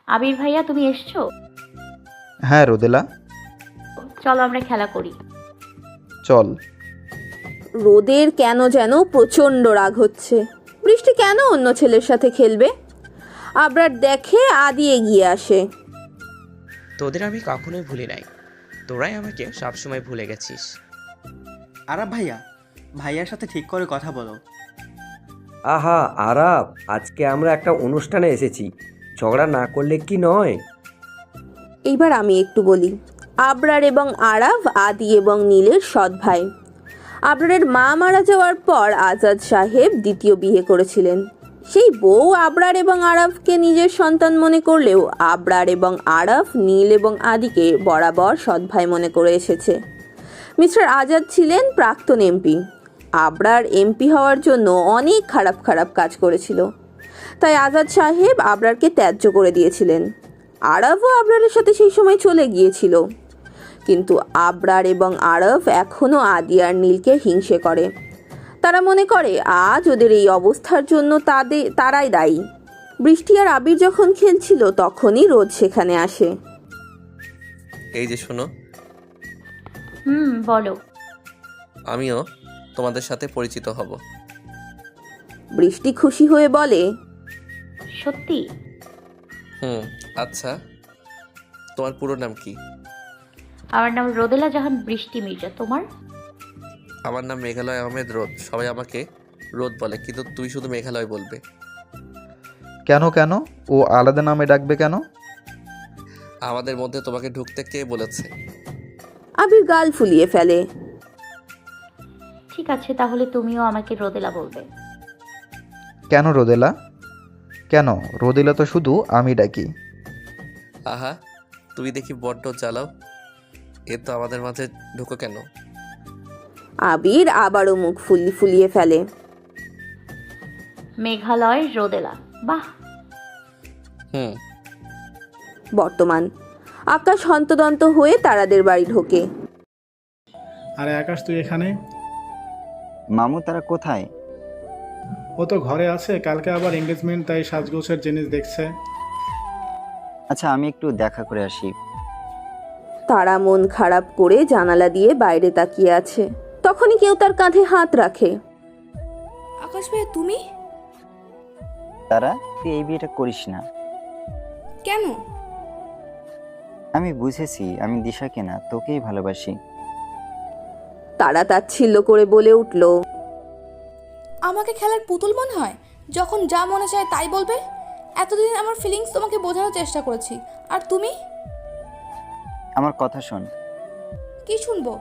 আবির ভাইয়া তুমি এসছো? হ্যাঁ রোদেলা, চলো আমরা খেলা করি। চল। রোদের কেন যেন প্রচণ্ড রাগ হচ্ছে। বৃষ্টি কেন অন্য ছেলের সাথে খেলবে? আবরার দেখে আদি এগিয়ে আসে। তোদের আমি কখনোই ভুলি নাই, তোরাই আমাকে সবসময় ভুলে গেছিস। আরাব ভাইয়া, ভাইয়ার সাথে ঠিক করে কথা বলো। আহা আরাব, আজকে আমরা একটা অনুষ্ঠানে এসেছি, ঝগড়া না করলে কি নয়? এইবার আমি একটু বলি। আবরার এবং আরাব আদি এবং নীলের সৎ ভাই। আবরারের মা মারা যাওয়ার পর আজাদ সাহেব দ্বিতীয় বিয়ে করেছিলেন। সেই বউ আবরার এবং আরাফকে নিজের সন্তান মনে করলেও আবরার এবং আরাফ নীল এবং আদিকে বরাবর সৎ ভাই মনে করে এসেছে। মিস্টার আজাদ ছিলেন প্রাক্তন এমপি। আবরার এমপি হওয়ার জন্য অনেক খারাপ খারাপ কাজ করেছিল, তাই আজাদ সাহেব আবরারকে ত্যায্য করে দিয়েছিলেন। আরাফও আবরারের সাথে সেই সময় চলে গিয়েছিল, কিন্তু আবরার এবং আরব এখনও আদি আর নীলকে হিংসে করে। তারা মনে করে আজ ওদের এই অবস্থার জন্য তারাই দায়ী। বৃষ্টি আর আবির যখন খেলছিল তখনই রোদ সেখানে আসে। এই যে শোনো, বলো। আমিও তোমাদের সাথে পরিচিত হব। বৃষ্টি খুশি হয়ে বলে, সত্যি? আচ্ছা, তোমার পুরো নাম কি? আমার নাম রোদেলা জাহান বৃষ্টি মির্জা। তোমার? আমার নাম মেঘালয় আহমেদ রোদ। সবাই আমাকে রোদ বলে, কিন্তু তুই শুধু মেঘালয় বলবে। কেন কেন ও আলাদা নামে ডাকবে কেন? আমাদের মধ্যে তোমাকে ঢুকতে কে বলেছে? আবির গাল ফুলিয়ে ফেলে। ঠিক আছে, তাহলে তুমিও আমাকে রোদেলা বলবে। কেন রোদেলা? কেন, রোদেলা তো শুধু আমি ডাকি। আহা, তুমি দেখি বড্ড জ্বালাও। এ তো আমাদের মাঝে ঢুকো কেন? আবির আবারও মুখ ফুলিয়ে ফেলে। মেঘালয় রোদেলা, বাহ। বর্তমান আকাশ হন্তদন্ত হয়ে তারাদের বাড়ি ঢোকে। আরে আকাশ, তুই এখানে? মামু তারা কোথায়? ও তো ঘরে আছে, কালকে আবার এঙ্গেজমেন্ট, তাই সাজগোছের জিনিস দেখছে। আচ্ছা, আমি একটু দেখা করে আসি। তারা মন খারাপ করে জানালা দিয়ে বাইরে তাকিয়ে আছে। তখনই কেউ তার কাঁধে হাত রাখে। আকাশ ভাই, তুমি? তারা, তুই এই বিয়েটা করিস না। কেন? আমি বুঝেছি, আমি দিশাকে না তোকেই ভালোবাসি। তারা তাচ্ছিল্য করে বলে উঠল, আমাকে খেলার পুতুল মনে হয়? যখন যা মনে চায় তাই বলবে? এতদিন আমার ফিলিংস তোমাকে বোঝানোর চেষ্টা করেছি, আর তুমি? আমার কথা শোন। কি শুনবো?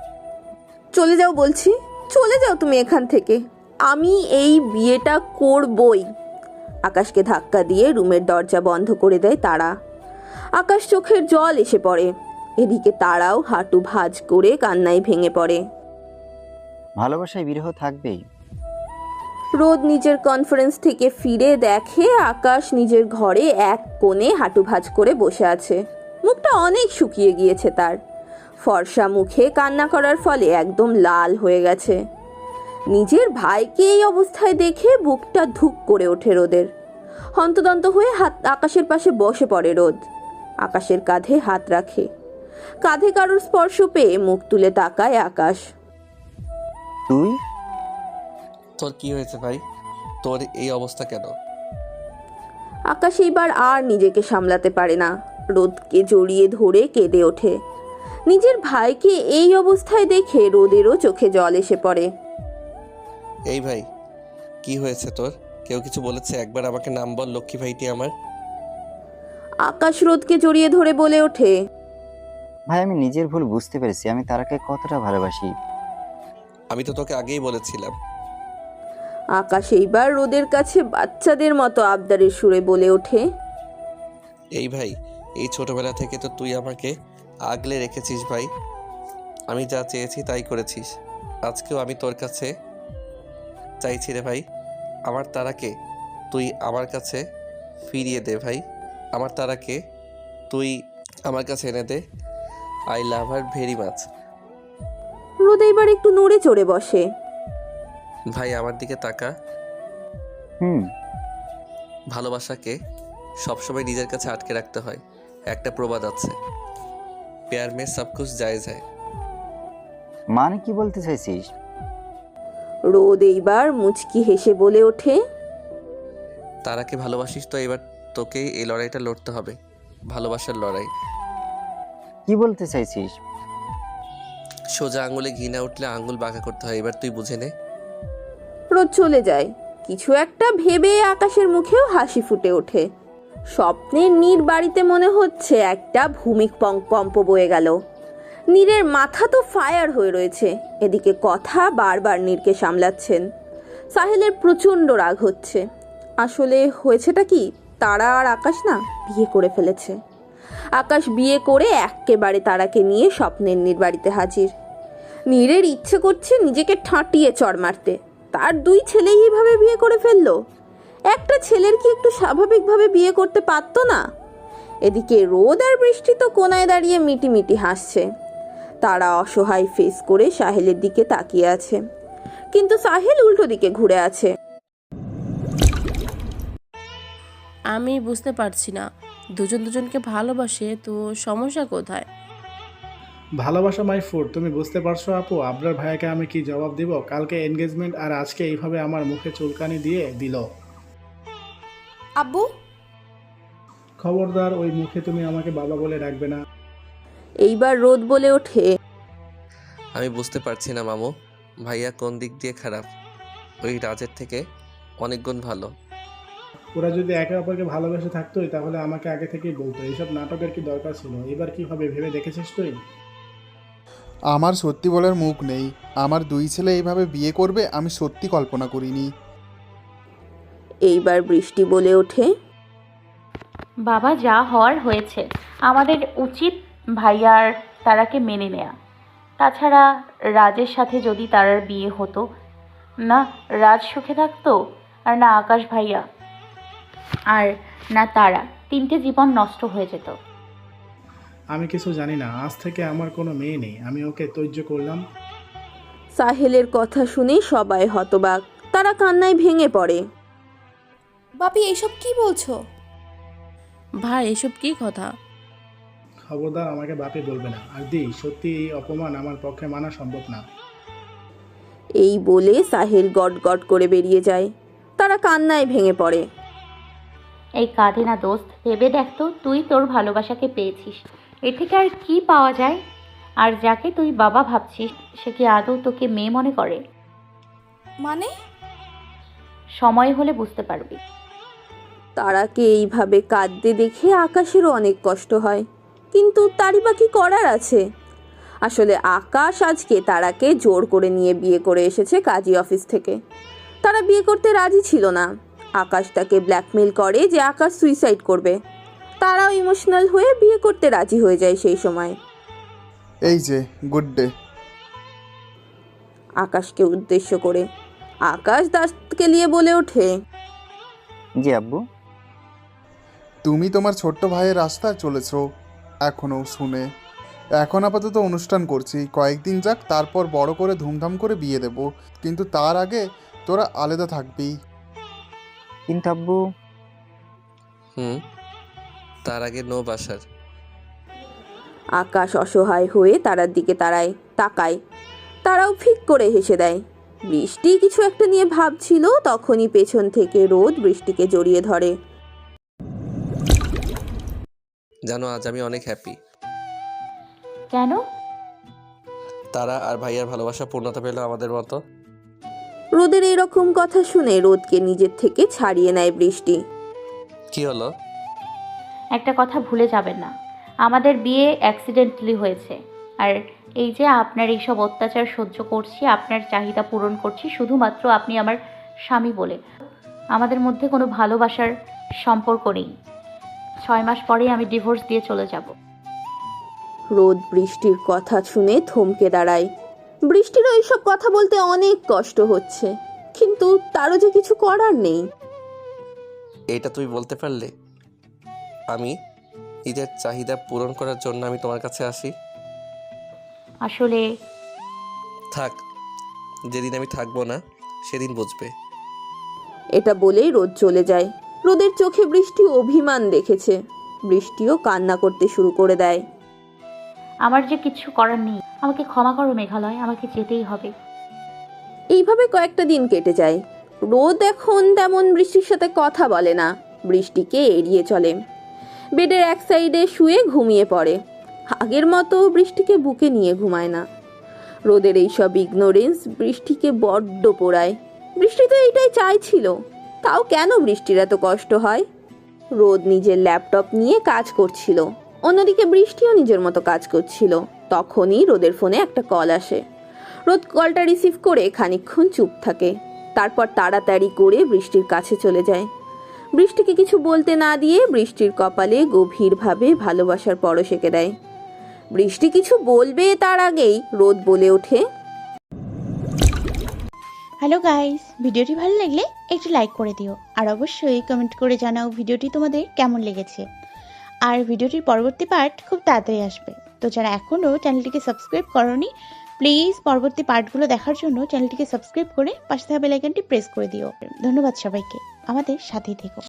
চলে যাও বলছি, চলে যাও তুমি এখান থেকে। আমি এই বিয়েটা করবই। আকাশকে ধাক্কা দিয়ে রুমের দরজা বন্ধ করে দেয় তারা। আকাশ চোখের জল এসে পড়ে। এদিকে তারাও হাঁটু ভাঁজ করে কান্নায় ভেঙে পড়ে। ভালোবাসায় বিরহ থাকবেই। রোদ নিজের কনফারেন্স থেকে ফিরে দেখে আকাশ নিজের ঘরে এক কোণে হাঁটু ভাঁজ করে বসে আছে। মুখটা অনেক শুকিয়ে গিয়েছে তার। ফর্সা মুখে কান্না করার ফলে একদম লাল হয়ে গেছে। নিজের ভাইকে এই অবস্থায় দেখে বুকটা ধুক করে ওঠে রোদের। হন্তদন্ত হয়ে আকাশের পাশে বসে পড়ে রোদ। আকাশের কাঁধে হাত রাখে। কাঁধে কারোর স্পর্শ পেয়ে মুখ তুলে তাকায় আকাশ। তুই? তোর কি হয়েছে ভাই? তোর এই অবস্থা কেন? আকাশ এইবার আর নিজেকে সামলাতে পারে না। রোদকে জড়িয়ে ধরে কেঁদে ওঠে। নিজের ভাইকে এই অবস্থায় দেখে রোদেরও চোখে জল এসে পড়ে। এই ভাই, কি হয়েছে তোর? কেউ কিছু বলেছে? একবার আমাকে নাম বল, লক্ষ্মী ভাইটি আমার। আকাশ রোদকে জড়িয়ে ধরে বলে ওঠে, ভাই, আমি নিজের ভুল বুঝতে পেরেছি, আমি তারাকে কতটা ভালোবাসি। আমি তো তোকে আগেই বলেছিলাম। আকাশ এইবার রোদের কাছে বাচ্চাদের মতো আবদারের সুরে বলে ওঠে, এই ভাই, এই ছোটবেলা থেকে তো তুই আমাকে আগলে রেখেছিস ভাই। আমি যা চেয়েছি তাই করেছিস। আজকেও আমি তোর কাছে চাইছি রে ভাই, আমার তারাকে তুই আমার কাছে ফিরিয়ে দে ভাই। আমার তারাকে তুই আমার কাছে এনে দে। I love her very much. রোদ এইবার একটু নড়ে চড়ে বসে। ভাই, আমার দিকে তাকা। হুম। ভালোবাসাকে সবসময় নিজের কাছে আটকে রাখতে হয়। একটা প্রবাদ আছে, প্যার মে সব কুছ জায়েজ হ্যায়। মানে কি বলতে চাইছিস? রোদ এইবার মুচকি হেসে বলে ওঠে, তারাকে ভালোবাসিস তো এবার তোকেই এই লড়াইটা লড়তে হবে, ভালোবাসার লড়াই। কি বলতে চাইছিস? সোজা আঙুলে ঘি না উঠলে আঙুল বাঁকা করতে হয়, এবার তুই বুঝে নে। রোদ চলে যায়। কিছু একটা ভেবে আকাশের মুখেও হাসি ফুটে ওঠে। স্বপ্নের নীর বাড়িতে মনে হচ্ছে একটা ভূমিকম্প বয়ে গেল। নীরের মাথা তো ফায়ার হয়ে রয়েছে, এদিকে কথা বারবার নীরকে সামলাচ্ছেন। সাহেলের প্রচণ্ড রাগ হচ্ছে। আসলে হয়েছেটা কি, তারা আর আকাশ না বিয়ে করে ফেলেছে। আকাশ বিয়ে করে এক্কেবারে তারাকে নিয়ে স্বপ্নের নীর বাড়িতে হাজির। নীরের ইচ্ছে করছে নিজেকে ঠাঁটিয়ে চড় মারতে। তার দুই ছেলেই এইভাবে বিয়ে করে ফেললো। একটা ছেলের কি একটু স্বাভাবিকভাবে বিয়ে করতে পারতো না? এদিকে রোদ আর বৃষ্টি তো কোনায় দাঁড়িয়ে মিটিমিটি হাসছে। তারা অসহায় ফেস করে সাহেলের দিকে তাকিয়ে আছে, কিন্তু সাহেল উল্টো দিকে ঘুরে আছে। আমি বুঝতে পারছি না, দুজন দুজনকে ভালোবাসে তো সমস্যা কোথায়? ভালোবাসা মাই ফুড, তুমি বুঝতে পারছো আপু? আবরার ভাইয়াকে আমি কি জবাব দিব? কালকে এনগেজমেন্ট আর আজকে এইভাবে আমার মুখে চুলকানি দিয়ে দিল। আব্বু, খবরদার, ওই মুখে তুমি আমাকে বাবা বলে ডাকবে না। এইবার রোদ বলে ওঠে, আমি বুঝতে পারছি না মামু, ভাইয়া কোন দিক দিয়ে খারাপ? ওই রাজের থেকে অনেক গুণ ভালো। ওরা যদি একে অপরকে ভালোবেসে থাকতোই তাহলে আমাকে আগে থেকেই বলতো। এইসব নাটকের কি দরকার ছিল? এবার কি হবে ভেবে দেখেছিস তুই? আমার সত্যি বলার মুখ নেই। আমার দুই ছেলে এইভাবে বিয়ে করবে আমি সত্যি কল্পনা করিনি। এইবার বৃষ্টি বলে ওঠে, বাবা যা হওয়ার হয়েছে, আমাদের উচিত ভাইয়ার তারাকে মেনে নেয়া। তাছাড়া রাজের সাথে যদি তারার বিয়ে হতো, না রাজ সুখে থাকতো, আর না আকাশ ভাইয়া, আর না তারা, তিনটে জীবন নষ্ট হয়ে যেত। আমি কিছু জানি না, আজ থেকে আমার কোনো মেয়ে নেই, আমি ওকে তৈর্য করলাম। সাহেলের কথা শুনে সবাই হতবাক। তারা কান্নায় ভেঙে পড়ে। বাপি এইসব কি বলছো? ভাই এসব কি কথা? খবরদার আমাকে বাপি বলবে না। আর দি, সত্যি এই অপমান আমার পক্ষে মানা সম্ভব না। এই বলে সাহেল গট গট করে বেরিয়ে যায়। তারা কান্নায় ভেঙে পড়ে। এই কাঁধে না দোস্ত, ভেবে দেখ তো, তুই তোর ভালোবাসাকে পেয়েছিস, এর থেকে আর কি পাওয়া যায়? আর যাকে তুই বাবা ভাবছিস সে কি আদৌ তোকে মেয়ে মনে করে? মানে? সময় হলে বুঝতে পারবি। তারাকে এইভাবে কাঁদতে দেখে আকাশেরও অনেক কষ্ট হয়, কিন্তু তারই বা কি করার আছে? আসলে আকাশ আজকে তারাকে জোর করে নিয়ে বিয়ে করে এসেছে কাজী অফিস থেকে। তারা বিয়ে করতে রাজি ছিল না। আকাশ তাকে ব্ল্যাকমেল করে যে আকাশ সুইসাইড করবে। তারাও ইমোশনাল হয়ে বিয়ে করতে রাজি হয়ে যায় সেই সময়। এই যে গুড ডে। আকাশকে উদ্দেশ্য করে আকাশ দাসকে নিয়ে বলে ওঠে, জি আব্বু। তুমি তোমার ছোট্ট ভাইয়ের রাস্তায় চলেছ এখনও শুনে। এখন আপাতত অনুষ্ঠান করছি, কয়েকদিন যাক, তারপর বড় করে ধুমধাম করে বিয়ে দেব। কিন্তু তার আগে তোরা আলাদা থাকবি। কিন্তু আব্বু। তার আগে নো বাসার। আকাশ অসহায় হয়ে তারার দিকে তাকায়। তারাও ফিক করে হেসে দেয়। বৃষ্টি কিছু একটা নিয়ে ভাবছিল, তখনই পেছন থেকে রোদ বৃষ্টিকে জড়িয়ে ধরে। জানো আজ আমি অনেক হ্যাপি। কেন? তারা আর ভাইয়ার ভালোবাসা পূর্ণতা পেল আমাদের মতো। রোদের এরকম কথা শুনে রোদকে নিজের থেকে ছাড়িয়ে নেয় বৃষ্টি। কি হলো? একটা কথা ভুলে যাবেন না, আমাদের বিয়ে অ্যাক্সিডেন্টালি হয়েছে। আর এই যে আপনার এইসব অত্যাচার সহ্য করছি, আপনার চাহিদা পূরণ করছি শুধুমাত্র আপনি আমার স্বামী বলে। আমাদের মধ্যে কোনো ভালোবাসার সম্পর্ক নেই। 6 মাস পরেই আমি ডিভোর্স দিয়ে চলে যাব। রোদ বৃষ্টির কথা শুনে থমকে দাঁড়ায়। বৃষ্টিরও এইসব কথা বলতে অনেক কষ্ট হচ্ছে, কিন্তু তারও যে কিছু করার নেই। এটা তুমি বলতে পারলে? আমি নিজের চাহিদা পূরণ করার জন্য আমি তোমার কাছে আসি। আসলে থাক, যেদিন আমি থাকবো না সেদিন বুঝবে। এটা বলেই রোদ চলে যায়। রোদের চোখে বৃষ্টি অভিমান দেখেছে। বৃষ্টিও কান্না করতে শুরু করে দেয়। আমার যে কিছু করার নেই, আমাকে ক্ষমা করো মেঘালয়, আমাকে যেতেই হবে। এইভাবে কয়েকটা দিন কেটে যায়। রোদ এখন তেমন বৃষ্টির সাথে কথা বলে না, বৃষ্টিকে এড়িয়ে চলে। বেডের এক সাইডে শুয়ে ঘুমিয়ে পড়ে। আগের মতো বৃষ্টিকে বুকে নিয়ে ঘুমায় না। রোদের এইসব ইগনোরেন্স বৃষ্টিকে বড্ড পোড়ায়। বৃষ্টি তো এইটাই চাইছিল, তাও কেন বৃষ্টির এত কষ্ট হয়? রোদ নিজের ল্যাপটপ নিয়ে কাজ করছিল, অন্যদিকে বৃষ্টিও নিজের মতো কাজ করছিল। তখনই রোদের ফোনে একটা কল আসে। রোদ কলটা রিসিভ করে খানিকক্ষণ চুপ থাকে, তারপর তাড়াতাড়ি করে বৃষ্টির কাছে চলে যায়। বৃষ্টিকে কিছু বলতে না দিয়ে বৃষ্টির কপালে গভীরভাবে ভালোবাসার পরশ এঁকে দেয়। বৃষ্টি কিছু বলবে তার আগেই রোদ বলে ওঠে, হ্যালো গাইস, ভিডিওটি ভালো লাগলে একটু লাইক করে দিও, আর অবশ্যই কমেন্ট করে জানাও ভিডিওটি তোমাদের কেমন লেগেছে। আর ভিডিওটির পরবর্তী পার্ট খুব তাড়াতাড়ি আসবে, তো যারা এখনও চ্যানেলটিকে সাবস্ক্রাইব করোনি প্লিজ পরবর্তী পার্টগুলো দেখার জন্য চ্যানেলটিকে সাবস্ক্রাইব করে পাশে থাকা বেল আইকনটি প্রেস করে দিও। ধন্যবাদ সবাইকে, আমাদের সাথেই থেকো।